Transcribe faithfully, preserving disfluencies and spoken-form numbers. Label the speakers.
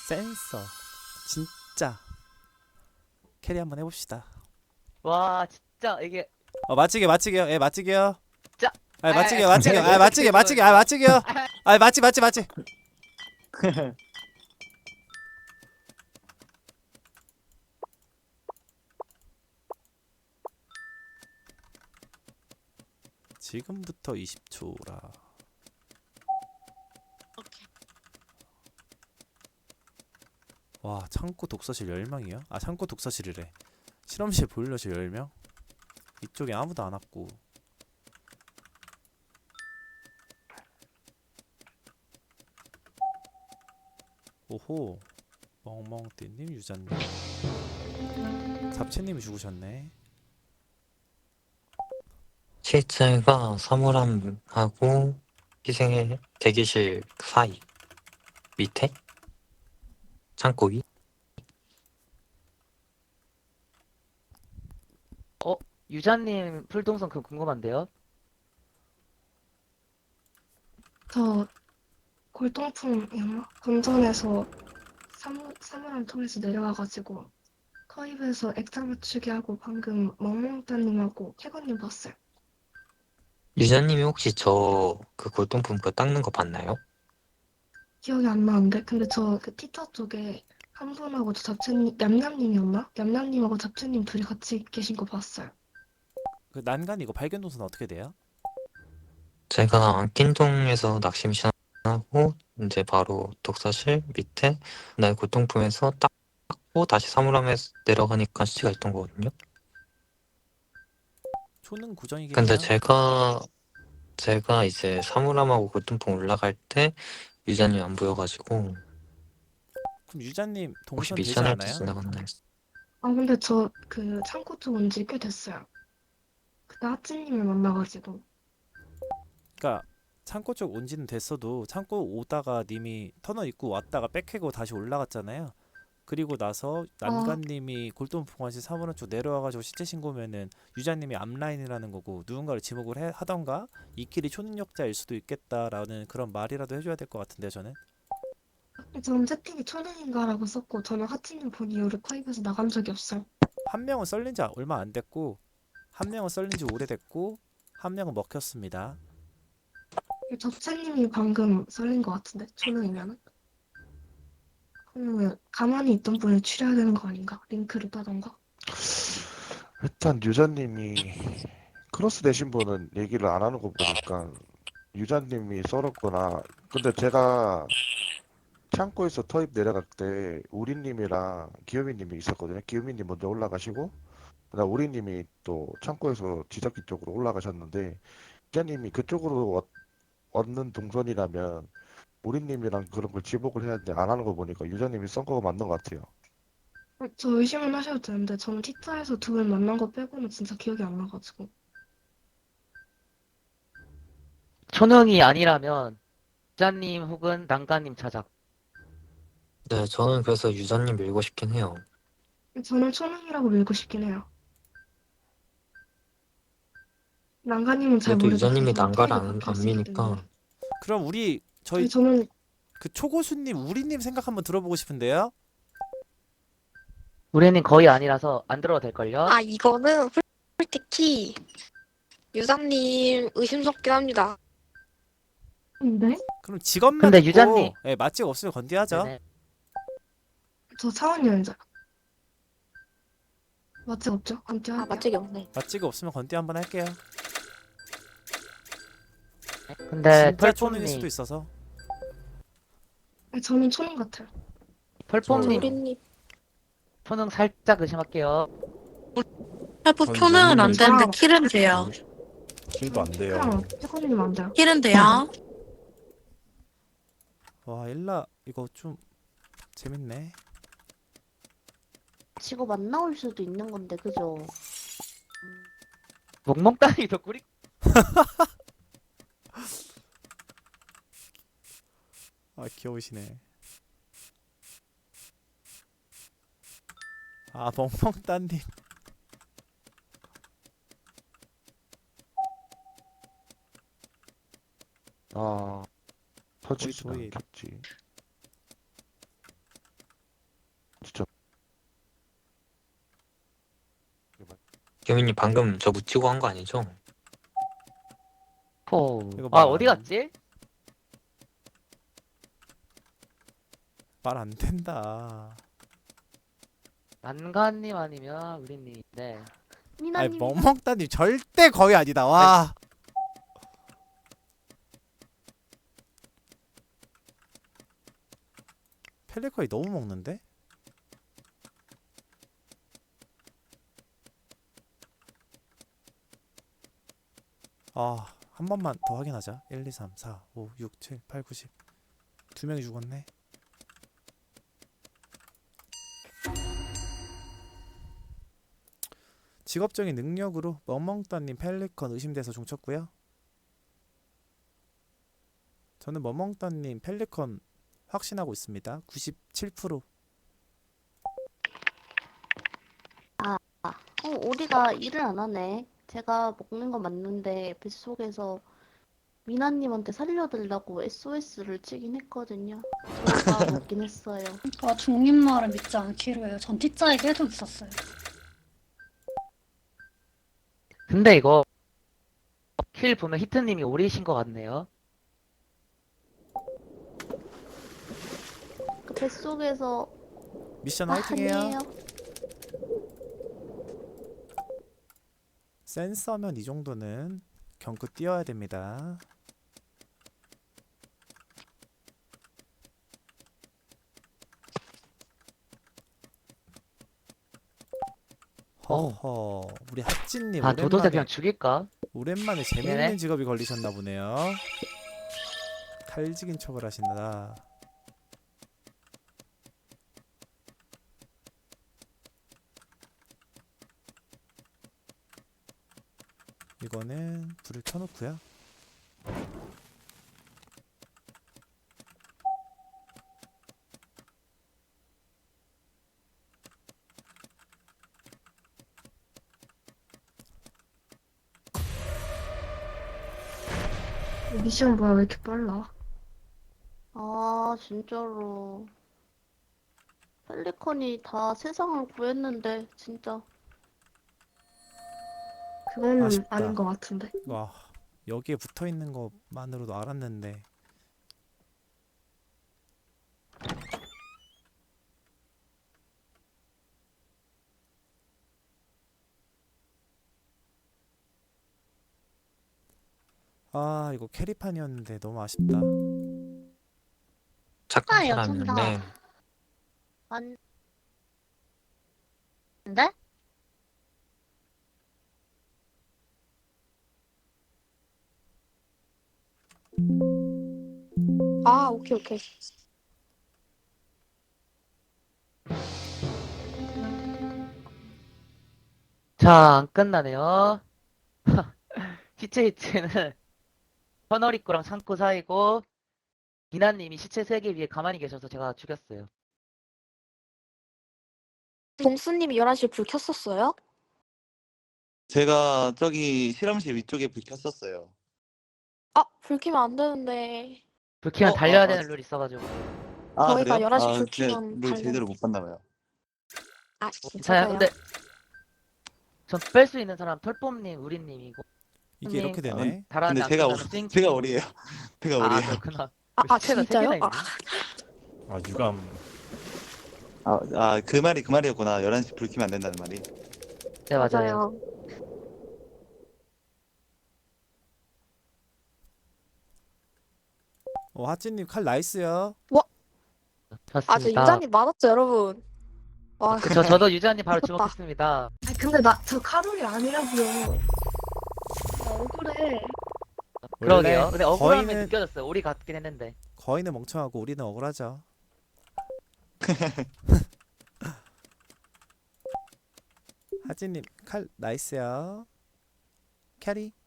Speaker 1: 센서. 진짜 캐리 한번 해봅시다.
Speaker 2: 와 진짜 이게
Speaker 1: 어 맞지게 맞지게요. 예 맞지게요.
Speaker 2: 진짜
Speaker 1: 아
Speaker 2: 아, 아,
Speaker 1: 맞지게
Speaker 2: 진짜
Speaker 1: 맞지게
Speaker 2: 왜
Speaker 1: 아
Speaker 2: 그렇게
Speaker 1: 맞지게 맞지게 아
Speaker 2: 되는
Speaker 1: 맞지게요.
Speaker 2: 거야?
Speaker 1: 아 맞지 맞지 맞지. 지금부터 이십 초라. 와 창고 독서실 열 명이요? 아 창고 독서실이래. 실험실 보일러실 열 명? 이쪽에 아무도 안 왔고. 오호. 멍멍띠님 유자님 잡채님이 죽으셨네.
Speaker 3: 실제가 사물함하고 희생의 대기실 사이 밑에 창고 위.
Speaker 2: 어 유자님 풀동선 그 궁금한데요?
Speaker 4: 저 골동품이었나? 본전에서 사물, 사물함 통해서 내려와가지고 커입에서 액자 맞추기 하고 방금 멍멍따님하고 캐건님 봤어요.
Speaker 3: 유자님이 혹시 저 그 골동품 그 닦는 거 봤나요?
Speaker 4: 기억이 안 나는데 근데 저 그 티터 쪽에 한 분하고 저 잡채님 얌얌님이었나? 얌얌님하고 잡채님 둘이 같이 계신 거 봤어요.
Speaker 1: 그 난간 이거 발견 동선 어떻게 돼요?
Speaker 3: 제가 안킨동에서 낚시 미션하고 이제 바로 독서실 밑에 날 골동품에서 닦고 다시 사물함에 내려가니까 시체가 있던 거거든요.
Speaker 1: 초능
Speaker 3: 근데
Speaker 1: 구정이겠네요.
Speaker 3: 제가 제가 이제 사물함하고 골동품 올라갈 때 유자님 안 보여가지고
Speaker 1: 그럼 유자님
Speaker 3: 혹시
Speaker 1: 동선 되지
Speaker 3: 미션할 때
Speaker 1: 않아요?
Speaker 3: 지나갔나 했어.
Speaker 4: 아 근데 저 그 창고 쪽 온 지 꽤 됐어요. 그때 하찌님을 만나가지고
Speaker 1: 그러니까 창고 쪽 온지는 됐어도 창고 오다가 님이 터널 입구 왔다가 백해고 다시 올라갔잖아요. 그리고 나서
Speaker 4: 아
Speaker 1: 난간님이 골동품관시 사물함 쪽 내려와가지고 시체 신고면은 유자님이 앞라인이라는 거고 누군가를 지목을 해, 하던가 이 길이 초능력자일 수도 있겠다라는 그런 말이라도 해줘야 될 것 같은데요 저는.
Speaker 4: 저는 채팅이 초능인가라고 썼고 저는 하찌님 본 이후로 커입에서 나간 적이 없어요.
Speaker 1: 한 명은 썰린 지 얼마 안 됐고 한 명은 썰린 지 오래됐고 한 명은 먹혔습니다.
Speaker 4: 접채님이 방금 썰린 것 같은데 초능이면은 그러면 가만히 있던 분을 추려야 되는 거 아닌가? 링크를 따던가.
Speaker 5: 일단 유자님이 크로스 되신 분은 얘기를 안 하는 거 보니까 유자님이 썰었거나. 근데 제가 창고에서 터입 내려갈 때 우리님이랑 기요미님이 있었거든요. 기요미님 먼저 올라가시고 그다음 우리님이 또 창고에서 지적기 쪽으로 올라가셨는데 유자님이 그쪽으로 왔, 왔는 동선이라면 우리님이랑 그런 걸 지목을 해야 되는데 안 하는 거 보니까 유자님이 썬 거가 맞는 것 같아요.
Speaker 4: 어, 저 의심은 하셔도 되는데 저는 티타에서 두 분 만난 거 빼고는 진짜 기억이 안 나가지고.
Speaker 2: 초능이 아니라면 유자님 혹은 난가님 찾아.
Speaker 3: 네, 저는 그래서 유자님 밀고 싶긴 해요.
Speaker 4: 저는 초능이라고 밀고 싶긴 해요. 난가님은 잘
Speaker 3: 그래도
Speaker 4: 모르겠어요.
Speaker 3: 유자님이
Speaker 4: 저는
Speaker 3: 난가를
Speaker 4: 터입이
Speaker 3: 안, 안
Speaker 4: 바뀌었었기 때문에.
Speaker 3: 미니까
Speaker 1: 그럼 우리 저희
Speaker 4: 아니 저는
Speaker 1: 그 초고수님 우리님 생각 한번 들어보고 싶은데요.
Speaker 2: 우리는 거의 아니라서 안 들어도 될걸요?
Speaker 6: 아, 이거는 솔- 솔직히 유사님 의심스럽긴 합니다.
Speaker 4: 근데
Speaker 1: 그럼 직업만
Speaker 2: 근데 유자님
Speaker 1: 있고 예, 맛집 없으면 건디하죠.
Speaker 2: 네네.
Speaker 4: 저 사원여행자 맞지 없죠? 안
Speaker 6: 아,
Speaker 4: 띄할게요.
Speaker 6: 맛집이 없네.
Speaker 1: 맛집 없으면 건디 한번 할게요.
Speaker 2: 근데
Speaker 1: 진짜 초능일 수도
Speaker 2: 펄폼님
Speaker 1: 있어서.
Speaker 4: 저는 초능 같아요.
Speaker 5: 저
Speaker 2: 펄폼님
Speaker 6: 대리님.
Speaker 2: 초능 살짝 의심할게요.
Speaker 7: 헬프
Speaker 8: 전
Speaker 7: 표는 안
Speaker 8: 모르는데
Speaker 7: 되는데
Speaker 4: 저랑
Speaker 7: 킬은 돼요.
Speaker 8: 킬도 안 돼요.
Speaker 4: 피크랑 피커님 안 돼요.
Speaker 7: 킬은 돼요.
Speaker 1: 와 일라 이거 좀 재밌네.
Speaker 9: 직업 안 나올 수도 있는 건데, 그죠?
Speaker 2: 멍멍따니 더 꾸리
Speaker 1: 아 귀여우시네. 아 멍멍따님.
Speaker 5: 아,
Speaker 1: 거의
Speaker 5: 터지진
Speaker 1: 저희
Speaker 5: 않겠지.
Speaker 3: 유민님 방금 저 묻히고 한 거 아니죠?
Speaker 2: 포.
Speaker 1: 이거
Speaker 2: 아
Speaker 1: 말
Speaker 2: 어디
Speaker 1: 안-
Speaker 2: 갔지?
Speaker 1: 말 안 된다.
Speaker 2: 난간님 아니면 우리님. 네.
Speaker 1: 아니
Speaker 9: 미나님
Speaker 1: 멍멍따님 절대 거의 아니다. 와. 펠리컨이 너무 먹는데? 아, 한 번만 더 확인하자. 일, 이, 삼, 사, 오, 육, 칠, 팔, 구, 십. 두 명이 죽었네. 직업적인 능력으로 멍멍따님 펠리컨 의심돼서 종쳤고요. 저는 멍멍따님 펠리컨 확신하고 있습니다. 구십칠 퍼센트.
Speaker 9: 어, 우리가 일을 안 하네. 제가 먹는 건 맞는데 뱃속에서 미나님한테 살려달라고 에스오에스를 치긴 했거든요. 저가 먹긴 했어요.
Speaker 7: 그러니까 중립 말을 믿지 않기로 해요. 전 T자에 계속 있었어요.
Speaker 2: 근데 이거 킬 보면 히트님이 오리신 것 같네요.
Speaker 9: 그 뱃속에서
Speaker 1: 미션
Speaker 9: 아,
Speaker 1: 화이팅해요.
Speaker 9: 아니에요.
Speaker 1: 센서면 이 정도는 경크 뛰어야 됩니다. 허허, 우리 핫진님
Speaker 2: 아 도도새
Speaker 1: 오랜만에
Speaker 2: 그냥 죽일까?
Speaker 1: 오랜만에 재밌는
Speaker 2: 네네.
Speaker 1: 직업이 걸리셨나 보네요. 탈직인 척을 하신다. 이거는 불을 켜놓고요.
Speaker 4: 미션 뭐야, 왜 이렇게 빨라?
Speaker 9: 아, 진짜로. 펠리컨이 다 세상을 구했는데, 진짜.
Speaker 4: 그거는
Speaker 1: 아쉽다.
Speaker 4: 아닌 것 같은데.
Speaker 1: 와, 여기에 붙어 있는 것만으로도 알았는데. 아, 이거 캐리판이었는데 너무 아쉽다.
Speaker 3: 착한
Speaker 7: 아,
Speaker 3: 사람인데
Speaker 9: 안, 근데?
Speaker 6: 아, 오케이, 오케이.
Speaker 2: 자, 안 끝나네요. 시체 히트는 터널 입구랑 창고 사이고 기나님이 시체 세개 위에 가만히 계셔서 제가 죽였어요.
Speaker 6: 동수님이 열한 시에 불 켰었어요?
Speaker 10: 제가 저기 실험실 위쪽에 불 켰었어요.
Speaker 6: 아, 불 켜면 안 되는데.
Speaker 2: 불 켜면
Speaker 10: 어,
Speaker 2: 달려야
Speaker 10: 아,
Speaker 2: 되는 룰 있어가지고.
Speaker 10: 아,
Speaker 6: 저희가
Speaker 10: 그래요?
Speaker 6: 열한 시
Speaker 10: 아,
Speaker 6: 불
Speaker 10: 제가
Speaker 6: 켜면
Speaker 10: 룰
Speaker 6: 달려.
Speaker 10: 제대로 못 봤나 봐요.
Speaker 6: 아,
Speaker 2: 괜찮아요.
Speaker 6: 괜찮아요.
Speaker 2: 근데 전 뺄 수 있는 사람 털뽐님, 우리님이고.
Speaker 1: 이게 이렇게
Speaker 2: 님,
Speaker 1: 되네.
Speaker 2: 다른
Speaker 10: 근데 제가
Speaker 2: 남편은
Speaker 10: 오-
Speaker 2: 스윙
Speaker 10: 제가 오리예요. 제가
Speaker 2: 아,
Speaker 10: 오리예요.
Speaker 2: 그렇구나.
Speaker 6: 아, 아
Speaker 2: 시체가 세
Speaker 6: 진짜요?
Speaker 2: 개나
Speaker 6: 아,
Speaker 2: 있네.
Speaker 8: 아 유감.
Speaker 10: 아, 아, 그 말이 그 말이었구나. 열한 시 불 켜면 안 된다는 말이.
Speaker 2: 네, 맞아요.
Speaker 6: 맞아요.
Speaker 1: 어, 핫진님 칼 나이스요.
Speaker 6: 아, 저
Speaker 2: 좋습니다.
Speaker 6: 유자님 맞았죠, 여러분? 와,
Speaker 2: 저, 저도 유자님 바로
Speaker 6: 미쳤다.
Speaker 2: 주목했습니다.
Speaker 4: 아 근데 나 저 카롤이 아니라고요. 나 억울해.
Speaker 2: 그러게요.
Speaker 1: 원래
Speaker 2: 근데 억울함이
Speaker 1: 거인은
Speaker 2: 느껴졌어요. 우리 같긴 했는데.
Speaker 1: 거인은 멍청하고 우리는 억울하죠. 하진님 칼 나이스요. 캐리.